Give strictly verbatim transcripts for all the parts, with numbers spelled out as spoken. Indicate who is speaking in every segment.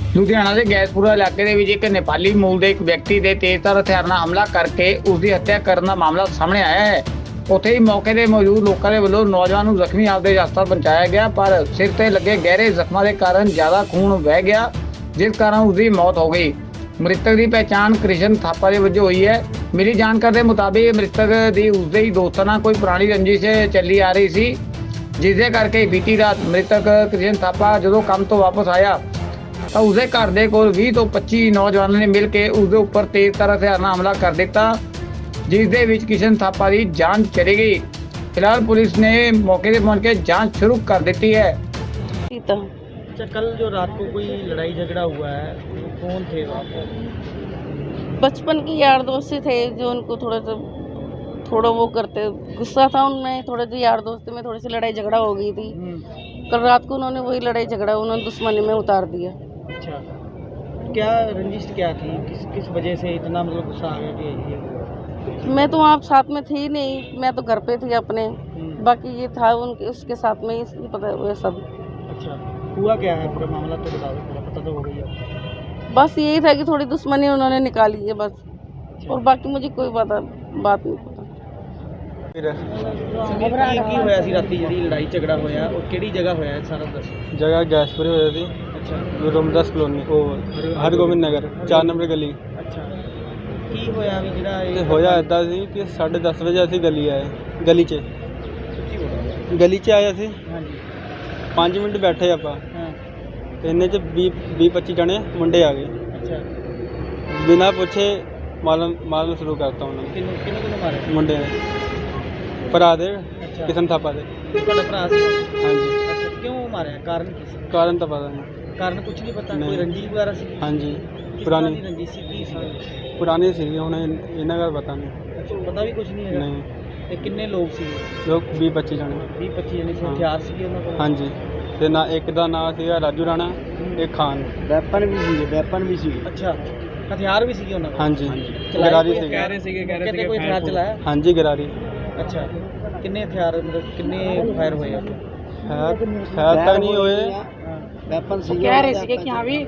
Speaker 1: ਲੁਧਿਆਣਾ ਦੇ ਗੈਸਪੁਰਾ ਇਲਾਕੇ ਦੇ ਵਿੱਚ ਇੱਕ ਨੇਪਾਲੀ ਮੂਲ ਦੇ ਇੱਕ ਵਿਅਕਤੀ ਦੇ ਤੇਜ਼ਧਾਰ ਹਥਿਆਰ ਨਾਲ ਹਮਲਾ ਕਰਕੇ ਉਸ ਦੀ ਹੱਤਿਆ ਕਰਨ ਦਾ ਮਾਮਲਾ ਸਾਹਮਣੇ ਆਇਆ ਹੈ। ਉੱਥੇ ਹੀ ਮੌਕੇ ਤੇ ਮੌਜੂਦ ਲੋਕਾਂ ਦੇ ਵੱਲੋਂ ਨੌਜਵਾਨ ਨੂੰ ਜ਼ਖਮੀ ਹਾਲਤ ਵਿੱਚ ਹਸਪਤਾਲ ਪਹੁੰਚਾਇਆ ਗਿਆ, ਪਰ ਸਿਰ ਤੇ ਲੱਗੇ ਗਹਿਰੇ ਜ਼ਖਮਾਂ ਦੇ ਕਾਰਨ ਜ਼ਿਆਦਾ ਖੂਨ ਵਹਿ ਗਿਆ, ਜਿਸ ਕਾਰਨ ਉਸ ਦੀ ਮੌਤ ਹੋ ਗਈ। ਮ੍ਰਿਤਕ ਦੀ ਪਹਿਚਾਣ ਕ੍ਰਿਸ਼ਨ ਥਾਪਾ ਦੇ ਵਜੋਂ ਹੋਈ ਹੈ। ਮਿਲੀ ਜਾਣਕਾਰੀ ਦੇ ਮੁਤਾਬਿਕ ਮ੍ਰਿਤਕ ਦੀ ਉਸਦੇ ਹੀ ਦੋਸਤਾਂ ਨਾਲ ਕੋਈ ਪੁਰਾਣੀ ਰੰਜਿਸ਼ ਚੱਲੀ ਆ ਰਹੀ ਸੀ, ਜਿਸ ਦੇ ਕਰਕੇ ਬੀਤੀ ਰਾਤ ਮ੍ਰਿਤਕ ਕ੍ਰਿਸ਼ਨ ਥਾਪਾ ਜਦੋਂ ਕੰਮ ਤੋਂ ਵਾਪਸ ਆਇਆ ਤਾਂ ਉਸਦੇ ਘਰ ਦੇ ਕੋਲ ਵੀਹ ਤੋਂ ਪੱਚੀ ਨੌਜਵਾਨਾਂ ਨੇ ਮਿਲ ਕੇ ਉਸਦੇ ਉੱਪਰ ਤੇਜ਼ਧਾਰ ਹਥਿਆਰ ਨਾਲ ਹਮਲਾ ਕਰ ਦਿੱਤਾ, ਜਿਸ ਦੇ ਵਿੱਚ ਕ੍ਰਿਸ਼ਨ ਥਾਪਾ ਦੀ ਜਾਂਚ ਚਲੀ ਗਈ। ਫਿਲਹਾਲ ਪੁਲਿਸ ਨੇ ਮੌਕੇ ਤੇ पहुंच के जांच शुरू कर देती है।
Speaker 2: अच्छा, कल जो रात को कोई लड़ाई झगड़ा हुआ है वो कौन थे वहाँ पर?
Speaker 3: बचपन के यार दोस्त ही थे जो उनको थोड़ा सा थोड़ा वो करते, गुस्सा था उनमें, थोड़ा सा यार दोस्ती में थोड़ी सी लड़ाई झगड़ा हो गई थी। कल रात को उन्होंने वही लड़ाई झगड़ा उन्होंने दुश्मनी में उतार दिया।
Speaker 2: अच्छा, क्या रंजिश क्या थी, किस किस वजह से इतना मतलब गुस्सा आ गया कि ये हुआ?
Speaker 3: मैं तो वहाँ साथ में थी नहीं, मैं तो घर पे थी अपने, बाकी ये था उनके उसके साथ में इसलिए पता हुआ सब।
Speaker 2: अच्छा, हुआ क्या है पूरा मामला तो बता दो, पूरा पता तो हो गई है।
Speaker 3: बस यही था कि थोड़ी दुश्मनी उन्होंने निकाली है बस, और बाकी मुझे कोई पता बात नहीं पता।
Speaker 2: ਕੀ ਹੋਇਆ ਸੀ ਰਾਤੀ ਜਿਹੜੀ ਲੜਾਈ ਝਗੜਾ ਹੋਇਆ ਉਹ ਕਿਹੜੀ ਜਗ੍ਹਾ ਹੋਇਆ ਹੈ ਸਾਰਾ ਦੱਸੋ।
Speaker 4: जगह गैसपुरे होया थी।
Speaker 2: ਅੱਛਾ
Speaker 4: रोमदास कॉलोनी ओ हरगोबिंद नगर चार नंबर गली।
Speaker 2: ਅੱਛਾ, ਕੀ ਹੋਇਆ ਵੀ ਜਿਹੜਾ
Speaker 4: ਤੇ
Speaker 2: ਇਹ
Speaker 4: ਹੋਇਆ ਇੱਦਾਂ ਸੀ ਕਿ ਸਾਢੇ ਦਸ ਵਜੇ ਅਸੀਂ ਗਲੀ ਆਏ, ਗਲੀ 'ਚ
Speaker 2: ਸੱਚੀ ਬੋਲੋ।
Speaker 4: ਗਲੀ 'ਚ ਆਏ ਅਸੀਂ
Speaker 2: ਹਾਂਜੀ
Speaker 4: ਪੰਜ ਮਿੰਟ ਬੈਠੇ ਆਪਾਂ
Speaker 2: ਹਾਂ
Speaker 4: ਤੇ ਇੰਨੇ 'ਚ ਵੀਹ ਵੀਹ ਪੱਚੀ ਜਣੇ ਮੁੰਡੇ ਆ ਗਏ,
Speaker 2: ਅੱਛਾ,
Speaker 4: ਬਿਨਾਂ ਪੁੱਛੇ ਮਾਰਨ ਮਾਰਨ ਸ਼ੁਰੂ ਕਰਤਾ ਉਹਨਾਂ ਨੇ।
Speaker 2: ਕਿਹਨੂੰ ਕਿਹਨੂੰ ਕਿਹਨੂੰ ਮਾਰਿਆ?
Speaker 4: ਮੁੰਡੇ ਨੇ ਭਰਾ ਦੇ
Speaker 2: ਅੱਛਾ,
Speaker 4: ਕਿਸ਼ਨ ਥਾਪਾ ਦੇ।
Speaker 2: ਤੁਹਾਡਾ ਭਰਾ ਸੀ?
Speaker 4: ਹਾਂਜੀ,
Speaker 2: ਅੱਛਾ, ਕਿਉਂ ਮਾਰਿਆ? ਕਾਰਨ ਕੀ ਸੀ?
Speaker 4: ਕਾਰਨ ਤਾਂ ਪਤਾ ਨਹੀਂ।
Speaker 2: ਕਾਰਨ ਕੁਝ ਨਹੀਂ ਪਤਾ,
Speaker 4: ਨਹੀਂ।
Speaker 2: ਕੋਈ ਰੰਜਿਸ਼ ਵਗੈਰਾ ਸੀ?
Speaker 4: ਹਾਂਜੀ,
Speaker 2: ਕਿਸ ਤਰ੍ਹਾਂ
Speaker 4: ਪੁਰਾਣੀ
Speaker 2: ਦੀ ਰੰਜਿਸ਼ ਸੀ, ਕੀ ਸੀ?
Speaker 4: ਪੁਰਾਣੀ ਸੀਗੀ, ਹੁਣ ਇਹ- ਇਹਨਾਂ ਦਾ ਪਤਾ ਨਹੀਂ।
Speaker 2: ਅੱਛਾ, ਪਤਾ ਵੀ ਕੁਝ ਨਹੀਂ ਹੈਗਾ।
Speaker 4: ਨਹੀਂ,
Speaker 2: ਤੇ ਕਿੰਨੇ ਲੋਕ ਸੀ?
Speaker 4: ਲੋਕ ਵੀਹ ਪੱਚੀ ਜਣੇ।
Speaker 2: ਵੀਹ ਪੱਚੀ ਜਣੇ ਸੀ।
Speaker 4: ਹਾਂ।
Speaker 2: ਹਥਿਆਰ ਸੀਗੇ ਉਹਨਾਂ ਕੋਲ?
Speaker 4: ਹਾਂਜੀ, ਤੇ ਨਾ ਇੱਕ ਦਾ ਨਾਂ ਸੀਗਾ ਰਾਜੂ ਰਾਣਾ, ਇੱਕ ਖਾਨ।
Speaker 2: ਵੈਪਨ ਵੀ ਸੀਗੇ? ਵੈਪਨ ਵੀ ਸੀਗੇ। ਅੱਛਾ, ਹਥਿਆਰ ਵੀ ਸੀਗੇ ਉਹਨਾਂ ਕੋਲ?
Speaker 4: ਹਾਂਜੀ,
Speaker 2: ਚਲਾਏ
Speaker 4: ਗਰਾਰੀ
Speaker 2: ਕੋਈ?
Speaker 4: ਸੀਗੀ।
Speaker 2: ਕਹਿ ਰਹੇ ਸੀਗੇ ਕਹਿ ਰਹੇ ਸੀਗੇ ਕੋਈ ਹਥਿਆਰ ਚਲਾਇਆ?
Speaker 4: ਹਾਂਜੀ, ਗਰਾਰੀ
Speaker 2: ਅੱਛਾ, ਕਿੰਨੇ ਹਥਿਆਰ ਮਤਲਬ ਕਿੰਨੇ ਫਾਇਰ ਹੋਏ ਆ?
Speaker 4: ਹੈ ਹੈ ਤਾਂ ਨਹੀਂ ਹੋਏ।
Speaker 2: ਵੈਪਨ ਸੀ
Speaker 3: ਕਹਿ ਰਹੇ ਸੀਗੇ ਕਿ ਹਾਂ ਵੀ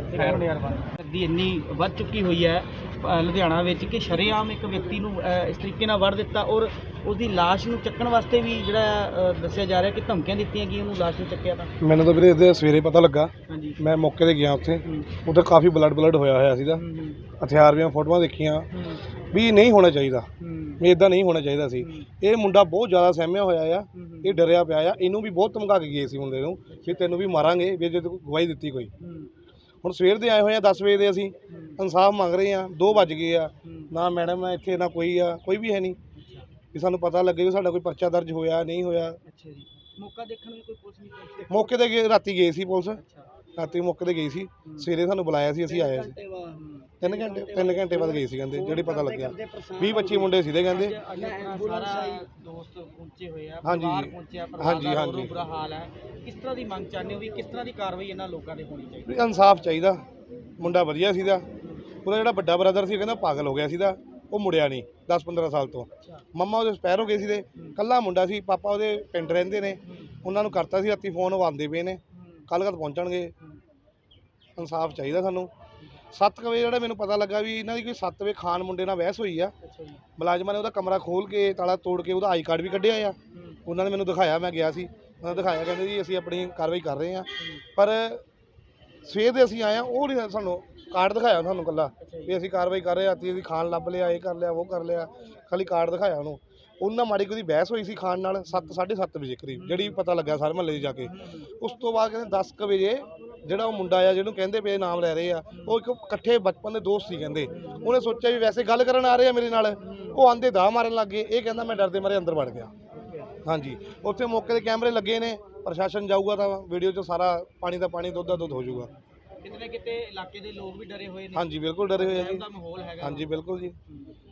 Speaker 2: ਦੀ ਇੰਨੀ ਵੱਧ ਚੁੱਕੀ ਹੋਈ ਹੈ ਅ, ਲੁਧਿਆਣਾ ਵਿੱਚ ਕਿ ਸ਼ਰੇਆਮ ਇੱਕ ਵਿਅਕਤੀ ਨੂੰ ਅ, ਇਸ ਤਰੀਕੇ ਨਾਲ ਵੜ ਦਿੱਤਾ, ਔਰ ਉਹਦੀ ਲਾਸ਼ ਨੂੰ ਚੱਕਣ ਵਾਸਤੇ ਵੀ ਜਿਹੜਾ ਅ, ਦੱਸਿਆ ਜਾ ਰਿਹਾ ਕਿ ਧਮਕੀਆਂ ਦਿੱਤੀਆਂ ਕਿ ਉਹਨੂੰ ਲਾਸ਼ ਨੂੰ ਚੱਕਿਆ ਤਾਂ।
Speaker 5: ਮੈਨੂੰ ਤਾਂ ਵੀਰੇ ਇਹਦੇ ਸਵੇਰੇ ਪਤਾ ਲੱਗਾ,
Speaker 2: ਹਾਂਜੀ
Speaker 5: ਮੈਂ ਮੌਕੇ ਤੇ ਗਿਆ ਉੱਥੇ।
Speaker 2: ਹੂੰ,
Speaker 5: ਉੱਥੇ ਕਾਫੀ ਬਲੱਡ ਬਲੱਡ ਹੋਇਆ ਹੋਇਆ ਸੀਗਾ,
Speaker 2: ਹੂੰ, ਹੂੰ,
Speaker 5: ਹਥਿਆਰ ਦੀਆਂ ਫੋਟੋਆਂ ਦੇਖੀਆਂ
Speaker 2: ਹੂੰ,
Speaker 5: ਵੀ ਨਹੀਂ ਹੋਣਾ ਚਾਹੀਦਾ,
Speaker 2: ਹੂੰ,
Speaker 5: ਵੀ ਇਦਾਂ ਨਹੀਂ ਹੋਣਾ ਚਾਹੀਦਾ ਸੀ।
Speaker 2: ਹੂੰ,
Speaker 5: ਇਹ ਮੁੰਡਾ ਬਹੁਤ ਜ਼ਿਆਦਾ ਸਹਿਮਿਆ ਹੋਇਆ ਆ,
Speaker 2: ਹੂੰ,
Speaker 5: ਇਹ ਡਰਿਆ ਪਿਆ ਆ। ਇਹਨੂੰ ਵੀ ਬਹੁਤ ਧਮਕਾ ਕੇ ਗਏ ਸੀ ਮੁੰਡੇ ਨੂੰ ਵੀ ਤੈਨੂੰ ਵੀ ਮਾਰਾਂਗੇ ਵੀ ਜੇ ਤੂੰ ਗਵਾਹੀ ਦਿੱਤੀ ਕੋਈ।
Speaker 2: ਹੂੰ,
Speaker 5: ਹੁਣ ਸਵੇਰ ਦੇ ਆਏ ਹੋਏ ਆ, ਦਸ ਵਜੇ ਦੇ ਅਸੀਂ ਇਨਸਾਫ ਮੰਗ ਰਹੇ ਆ, ਦੋ ਵੱਜ ਗਏ ਆ,
Speaker 2: ਹੂੰ,
Speaker 5: ਨਾ ਮੈਡਮ ਆ ਇੱਥੇ, ਨਾ ਕੋਈ ਆ, ਕੋਈ ਵੀ ਹੈ ਨਹੀਂ ਵੀ ਸਾਨੂੰ ਪਤਾ ਲੱਗੇ ਵੀ ਸਾਡਾ ਕੋਈ ਪਰਚਾ ਦਰਜ ਹੋਇਆ ਨਹੀਂ ਹੋਇਆ।
Speaker 2: ਅੱਛਾ ਜੀ, ਮੌਕਾ ਦੇਖਣ ਵੀ ਕੋਈ ਪੁਲਿਸ ਨਹੀਂ ਪਹੁੰਚੀ?
Speaker 5: ਮੌਕੇ ਤੇ ਗਏ, ਰਾਤੀ ਗਏ ਸੀ ਪੁਲਿਸ,
Speaker 2: ਅੱਛਾ,
Speaker 5: ਰਾਤੀ ਮੌਕੇ ਤੇ ਗਈ ਸੀ, ਸਵੇਰੇ ਸਾਨੂੰ ਬੁਲਾਇਆ ਸੀ, ਅਸੀਂ ਆਏ ਸੀ।
Speaker 2: ਘੰਟੇ ਬਾਅਦ, ਹੂੰ।
Speaker 5: ਤਿੰਨ ਘੰਟੇ ਤਿੰਨ ਘੰਟੇ ਬਾਅਦ ਗਏ ਸੀ ਕਹਿੰਦੇ, ਜਿਹੜੇ ਪਤਾ ਲੱਗਿਆ ਵੀਹ ਪੱਚੀ ਮੁੰਡੇ ਸੀਗੇ ਕਹਿੰਦੇ।
Speaker 2: ਅੱਜ ਆਪਣਾ ਸਾਰਾ ਦੋਸਤ ਪਹੁੰਚੇ ਹੋਏ ਆ,
Speaker 5: ਹਾਂਜੀ,
Speaker 2: ਪਰਿਵਾਰ ਪਹੁੰਚਿਆ, ਪਰਿਵਾਰ
Speaker 5: ਹਾਂਜੀ,
Speaker 2: ਦਾ
Speaker 5: ਹਾਂਜੀ।
Speaker 2: ਰੋ ਬੁਰਾ ਹਾਲ ਹੈ। ਕਿਸ ਤਰ੍ਹਾਂ ਦੀ ਮੰਗ ਚਾਹੁੰਦੇ ਹੋ ਵੀ ਕਿਸ ਤਰ੍ਹਾਂ ਦੀ ਕਾਰਵਾਈ ਇਹਨਾਂ ਲੋਕਾਂ ਤੇ ਹੋਣੀ ਚਾਹੀਦੀ?
Speaker 5: ਵੀ ਇਨਸਾਫ ਚਾਹੀਦਾ। ਮੁੰਡਾ ਵਧੀਆ ਸੀਗਾ, ਉਹਦਾ ਜਿਹੜਾ ਵੱਡਾ ਬ੍ਰਦਰ ਸੀ ਕਹਿੰਦਾ ਪਾਗਲ ਹੋ ਗਿਆ ਸੀਗਾ, ਉਹ ਮੁੜਿਆ ਨਹੀਂ ਦਸ ਪੰਦਰਾਂ ਸਾਲ ਤੋਂ। ਮੰਮਾ ਉਹਦੇ ਐਕਸਪਾਇਰ ਹੋ ਗਏ ਸੀ, ਤੇ ਕੱਲਾ ਮੁੰਡਾ ਸੀ, ਪਾਪਾ ਉਹਦੇ ਪਿੰਡ ਰਹਿੰਦੇ ਨੇ, ਉਹਨਾਂ ਨੂੰ ਕਰਤਾ ਸੀ ਰਾਤੀ ਫੋਨ, ਉਹ ਆਉਂਦੇ ਪਏ ਨੇ, ਕੱਲ੍ਹ ਕਦ ਪਹੁੰਚਣਗੇ। ਇਨਸਾਫ ਚਾਹੀਦਾ ਸਾਨੂੰ। ਸੱਤ ਕੁ ਵਜੇ ਜਿਹੜਾ ਮੈਨੂੰ ਪਤਾ ਲੱਗਾ ਵੀ ਇਹਨਾਂ ਦੀ ਕੋਈ ਸੱਤ ਵਜੇ ਖਾਨ ਮੁੰਡੇ ਨਾਲ ਬਹਿਸ ਹੋਈ ਆ,
Speaker 2: ਅੱਛਾ ਜੀ,
Speaker 5: ਮੁਲਾਜ਼ਮਾਂ ਨੇ ਉਹਦਾ ਕਮਰਾ ਖੋਲ੍ਹ ਕੇ ਤਾਲਾ ਤੋੜ ਕੇ ਉਹਦਾ ਆਈ ਕਾਰਡ ਵੀ ਕੱਢਿਆ ਆ। ਉਹਨਾਂ ਨੇ ਮੈਨੂੰ ਦਿਖਾਇਆ, ਮੈਂ ਗਿਆ ਸੀ, ਉਹਨਾਂ ਨੇ ਦਿਖਾਇਆ, ਕਹਿੰਦੇ ਜੀ ਅਸੀਂ ਆਪਣੀ ਕਾਰਵਾਈ ਕਰ ਰਹੇ ਹਾਂ। ਪਰ ਸਵੇਰ ਦੇ ਅਸੀਂ ਆਏ ਹਾਂ, ਉਹ ਨਹੀਂ ਸਾਨੂੰ ਕਾਰਡ ਦਿਖਾਇਆ ਸਾਨੂੰ ਇਕੱਲਾ ਵੀ ਅਸੀਂ ਕਾਰਵਾਈ ਕਰ ਰਹੇ ਹਾਂ, ਅਸੀਂ ਖਾਣ ਲੱਭ ਲਿਆ, ਇਹ ਕਰ ਲਿਆ, ਉਹ ਕਰ ਲਿਆ, ਖਾਲੀ ਕਾਰਡ ਦਿਖਾਇਆ ਉਹਨੂੰ। ਉਹਨਾਂ ਮਾੜੀ ਕੋਈ ਬਹਿਸ ਹੋਈ ਸੀ ਖਾਣ ਨਾਲ ਸੱਤ ਸਾਢੇ ਸੱਤ ਵਜੇ ਕਰੀਬ, ਜਿਹੜੀ ਪਤਾ ਲੱਗਾ ਸਾਰੇ ਮਹੱਲੇ 'ਚ ਜਾ ਕੇ। ਉਸ ਤੋਂ ਬਾਅਦ ਕਹਿੰਦੇ ਦਸ ਕੁ ਵਜੇ ਜਿਹੜਾ ਉਹ ਮੁੰਡਾ ਆ ਜਿਹਨੂੰ ਕਹਿੰਦੇ ਪਏ ਨਾਮ ਲੈ ਰਹੇ ਆ, ਉਹ ਇੱਕ ਇਕੱਠੇ ਬਚਪਨ ਦੇ ਦੋਸਤ ਸੀ ਕਹਿੰਦੇ, ਉਹਨੇ ਸੋਚਿਆ ਵੀ ਵੈਸੇ ਗੱਲ ਕਰਨ ਆ ਰਹੇ ਆ ਮੇਰੇ ਨਾਲ, ਉਹ ਆਂਦੇ ਦਾ ਮਾਰਨ ਲੱਗ ਗਏ। ਇਹ ਕਹਿੰਦਾ ਮੈਂ ਡਰਦੇ ਮਾਰੇ ਅੰਦਰ ਵੜ ਗਿਆ। ਹਾਂਜੀ, ਉੱਥੇ ਮੌਕੇ ਦੇ ਕੈਮਰੇ ਲੱਗੇ ਨੇ, ਪ੍ਰਸ਼ਾਸਨ ਜਾਊਗਾ ਤਾਂ ਵੀਡੀਓ 'ਚ ਸਾਰਾ ਪਾਣੀ ਦਾ ਪਾਣੀ, ਦੁੱਧ ਦਾ ਦੁੱਧ ਹੋ ਜਾਊਗਾ।
Speaker 2: ਕਿਤੇ ਨਾ ਕਿਤੇ ਇਲਾਕੇ ਦੇ ਲੋਕ ਵੀ ਡਰੇ ਹੋਏ ਨੇ।
Speaker 5: ਹਾਂਜੀ, ਬਿਲਕੁਲ ਡਰੇ ਹੋਏ ਆ ਜੀ।
Speaker 2: ਦਾ ਮਾਹੌਲ ਹੈਗਾ।
Speaker 5: ਹਾਂਜੀ, ਬਿਲਕੁਲ ਜੀ।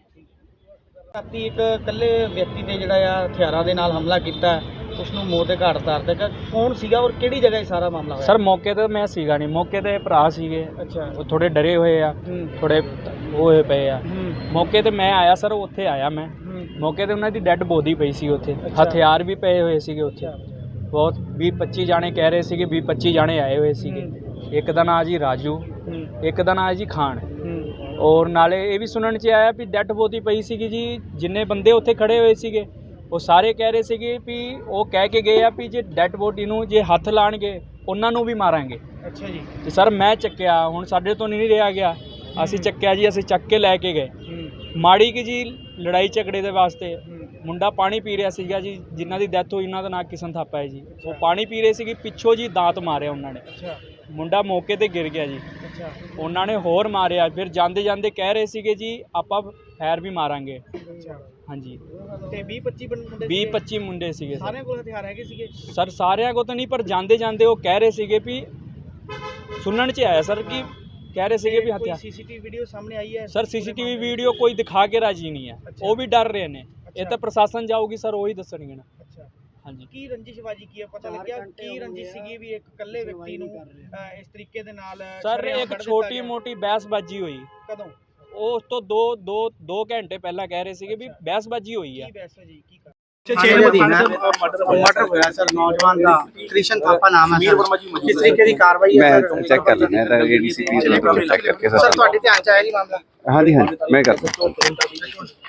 Speaker 2: ਰਾਤੀ ਇੱਕ ਇਕੱਲੇ ਵਿਅਕਤੀ ਨੇ ਜਿਹੜਾ ਆ ਹਥਿਆਰਾਂ ਦੇ ਨਾਲ ਹਮਲਾ ਕੀਤਾ, ਉਸ ਨੂੰ ਮੌਤ ਦੇ ਘਾਟ ਉਤਾਰ ਦਿੱਤਾ। ਕੌਣ ਸੀਗਾ ਔਰ ਕਿਹੜੀ ਜਗ੍ਹਾ ਇਹ ਸਾਰਾ ਮਾਮਲਾ ਹੋਇਆ?
Speaker 4: ਸਰ ਮੌਕੇ ਤੇ ਮੈਂ ਸੀਗਾ ਨਹੀਂ, ਮੌਕੇ ਤੇ ਭਰਾ ਸੀਗੇ,
Speaker 2: ਅੱਛਾ,
Speaker 4: ਉਹ ਥੋੜੇ ਡਰੇ ਹੋਏ ਆ,
Speaker 2: ਹੂੰ,
Speaker 4: ਥੋੜੇ ਉਹ ਹੋਏ ਪਏ ਆ।
Speaker 2: ਹੂੰ,
Speaker 4: ਮੌਕੇ ਤੇ ਮੈਂ ਆਇਆ ਸਰ, ਉੱਥੇ ਆਇਆ ਮੈਂ,
Speaker 2: ਹੂੰ,
Speaker 4: ਮੌਕੇ ਤੇ ਉਹਨਾਂ ਦੀ ਡੈੱਡ ਬੋਡੀ ਪਈ ਸੀ ਉੱਥੇ,
Speaker 2: ਅੱਛਾ।
Speaker 4: ਹਥਿਆਰ ਵੀ ਪਏ ਹੋਏ ਸੀਗੇ ਉੱਥੇ।
Speaker 2: ਅੱਛਾ,
Speaker 4: ਬਹੁਤ ਵੀਹ ਪੱਚੀ ਜਾਣੇ ਕਹਿ ਰਹੇ ਸੀਗੇ, ਵੀਹ ਪੱਚੀ ਜਾਣੇ ਆਏ ਹੋਏ ਸੀਗੇ।
Speaker 2: ਹੂੰ,
Speaker 4: ਇੱਕ ਦਾ ਨਾਂ ਜੀ ਰਾਜੂ,
Speaker 6: ਇੱਕ ਦਾ ਨਾਂ ਹੈ ਜੀ ਖਾਨ। ਔਰ ਨਾਲੇ ਇਹ ਵੀ ਸੁਣਨ 'ਚ ਆਇਆ ਵੀ ਡੈਡ ਬੋਡੀ ਪਈ ਸੀਗੀ ਜੀ, ਜਿੰਨੇ ਬੰਦੇ ਉੱਥੇ ਖੜੇ ਹੋਏ ਸੀਗੇ ਉਹ ਸਾਰੇ ਕਹਿ ਰਹੇ ਸੀਗੇ ਵੀ ਉਹ ਕਹਿ ਕੇ ਗਏ ਆ ਵੀ ਜੇ ਡੈਡ ਬੋਡੀ ਨੂੰ ਜੇ ਹੱਥ ਲਾਣਗੇ ਉਹਨਾਂ ਨੂੰ ਵੀ ਮਾਰਾਂਗੇ।
Speaker 2: ਅੱਛਾ ਜੀ।
Speaker 6: ਤੇ ਸਰ ਮੈਂ ਚੱਕਿਆ, ਹੁਣ ਸਾਡੇ ਤੋਂ ਨਹੀਂ ਰਿਹਾ ਗਿਆ, ਅਸੀਂ ਚੱਕਿਆ ਜੀ, ਅਸੀਂ ਚੱਕ ਕੇ ਲੈ ਕੇ ਗਏ। ਮਾੜੀ ਕਿ ਜੀ ਲੜਾਈ ਝਗੜੇ ਦੇ ਵਾਸਤੇ ਮੁੰਡਾ ਪਾਣੀ ਪੀ ਰਿਹਾ ਸੀਗਾ ਜੀ, ਜਿਨ੍ਹਾਂ ਦੀ ਡੈਥ ਹੋਈ ਉਹਨਾਂ ਦਾ ਨਾਂ ਕਿਸ਼ਨ ਥਾਪਾ ਹੈ ਜੀ। ਉਹ ਪਾਣੀ ਪੀ ਰਹੇ ਸੀਗੇ, ਪਿੱਛੋਂ ਜੀ ਦਾਤ ਮਾਰਿਆ ਉਹਨਾਂ ਨੇ। ਮੁੰਡਾ ਮੌਕੇ ਤੇ ਗਿਰ ਗਿਆ ਜੀ। ਉਹਨਾਂ ਨੇ ਹੋਰ ਮਾਰਿਆ, ਫਿਰ ਜਾਂਦੇ ਜਾਂਦੇ ਕਹਿ ਰਹੇ ਸੀਗੇ ਜੀ ਆਪਾਂ ਫੈਰ ਵੀ ਮਾਰਾਂਗੇ। ਹਾਂਜੀ
Speaker 2: ਤੇ ਵੀਹ ਪੱਚੀ ਮੁੰਡੇ
Speaker 6: ਵੀਹ ਪੱਚੀ ਮੁੰਡੇ ਸੀਗੇ ਸਰ।
Speaker 2: ਸਾਰਿਆਂ ਕੋਲ ਹਥਿਆਰ ਹੈਗੇ ਸੀਗੇ
Speaker 6: ਸਰ? ਸਾਰਿਆਂ ਕੋਲ ਤਾਂ ਨਹੀਂ, ਪਰ ਜਾਂਦੇ ਜਾਂਦੇ ਉਹ ਕਹਿ ਰਹੇ ਸੀਗੇ ਵੀ ਸੁਣਨ 'ਚ ਆਇਆ ਸਰ ਕਿ ਕਹਿ ਰਹੇ ਸੀਗੇ ਵੀ ਹਥਿਆਰ।
Speaker 2: ਸੀਸੀਟੀਵੀ ਵੀਡੀਓ ਸਾਹਮਣੇ ਆਈ ਹੈ
Speaker 6: ਸਰ ਸੀਸੀਟੀਵੀ ਵੀਡੀਓ ਕੋਈ ਦਿਖਾ ਕੇ ਰਾਜੀ ਨਹੀਂ ਹੈ, ਉਹ ਵੀ ਡਰ ਰਹੇ ਨੇ। ਇਹ ਤਾਂ ਪ੍ਰਸ਼ਾਸਨ ਜਾਊਗੀ ਸਰ, ਉਹੀ ਦੱਸਣਗੇ ਨਾ। ਹਾਂਜੀ
Speaker 2: ਕੀ ਰੰਜਿਸ਼ਬਾਜੀ ਕੀ ਹੈ, ਪਤਾ ਲੱਗਿਆ ਕੀ ਰੰਜਿਸ਼ ਸੀਗੀ ਵੀ ਇੱਕ ਇਕੱਲੇ ਵਿਅਕਤੀ ਨੂੰ ਅਹ, ਇਸ ਤਰੀਕੇ ਦੇ ਨਾਲ
Speaker 6: ਸਰ
Speaker 2: ਸ਼ਰੇਆਮ
Speaker 6: ਇੱਕ
Speaker 2: ਕੱਢ ਦਿੱਤਾ
Speaker 6: ਛੋਟੀ
Speaker 2: ਗਿਆ?
Speaker 6: ਮੋਟੀ ਬਹਿਸਬਾਜੀ ਹੋਈ।
Speaker 2: ਕਦੋਂ?
Speaker 6: ਉਹ ਉਸ ਤੋਂ ਦੋ ਦੋ ਦੋ ਘੰਟੇ ਪਹਿਲਾਂ ਕਹਿ ਰਹੇ ਸੀਗੇ ਵੀ ਬਹਿਸਬਾਜੀ ਹੋਈ ਆ।
Speaker 2: ਕੀ ਬਹਿਸ ਜੀ ਕੀ ਕਰ
Speaker 7: मर्डर होया सर नौजवान का कृष्ण थापा नाम है सर किस तरीके की कार्रवाई है
Speaker 8: मैं चेक कर लेना है एडीसी चेक करके
Speaker 7: सर ਤੁਹਾਡੇ ਧਿਆਨ ਚ ਆਇਆ ਜੀ ਮਾਮਲਾ
Speaker 8: हाँ जी हाँ जी मैं कर